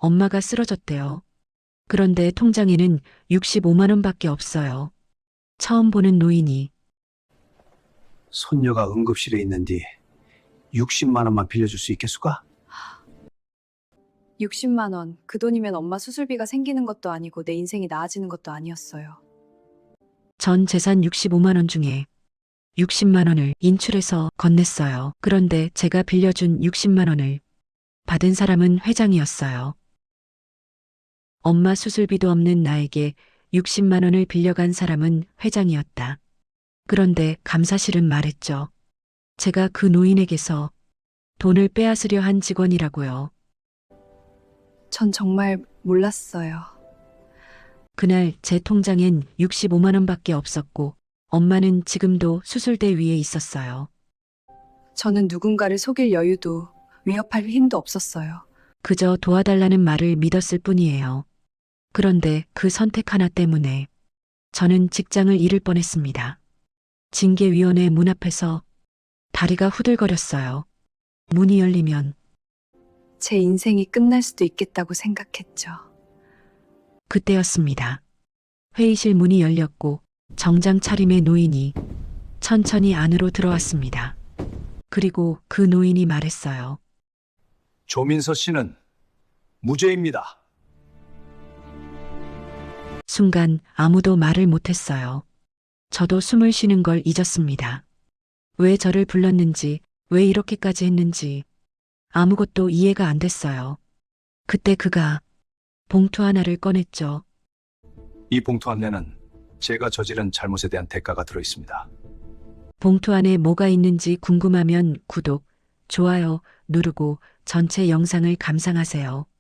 엄마가 쓰러졌대요. 그런데 통장에는 65만 원밖에 없어요. 처음 보는 노인이 손녀가 응급실에 있는데 60만 원만 빌려줄 수 있겠수까? 60만 원. 그 돈이면 엄마 수술비가 생기는 것도 아니고 내 인생이 나아지는 것도 아니었어요. 전 재산 65만 원 중에 60만 원을 인출해서 건넸어요. 그런데 제가 빌려준 60만 원을 받은 사람은 회장이었어요. 엄마 수술비도 없는 나에게 60만 원을 빌려간 사람은 회장이었다. 그런데 감사실은 말했죠. 제가 그 노인에게서 돈을 빼앗으려 한 직원이라고요. 전 정말 몰랐어요. 그날 제 통장엔 65만 원밖에 없었고 엄마는 지금도 수술대 위에 있었어요. 저는 누군가를 속일 여유도 위협할 힘도 없었어요. 그저 도와달라는 말을 믿었을 뿐이에요. 그런데 그 선택 하나 때문에 저는 직장을 잃을 뻔했습니다. 징계위원회 문 앞에서 다리가 후들거렸어요. 문이 열리면 제 인생이 끝날 수도 있겠다고 생각했죠. 그때였습니다. 회의실 문이 열렸고 정장 차림의 노인이 천천히 안으로 들어왔습니다. 그리고 그 노인이 말했어요. 조민서 씨는 무죄입니다. 순간 아무도 말을 못했어요. 저도 숨을 쉬는 걸 잊었습니다. 왜 저를 불렀는지, 왜 이렇게까지 했는지 아무것도 이해가 안 됐어요. 그때 그가 봉투 하나를 꺼냈죠. 이 봉투 안에는 제가 저지른 잘못에 대한 대가가 들어 있습니다. 봉투 안에 뭐가 있는지 궁금하면 구독, 좋아요 누르고 전체 영상을 감상하세요.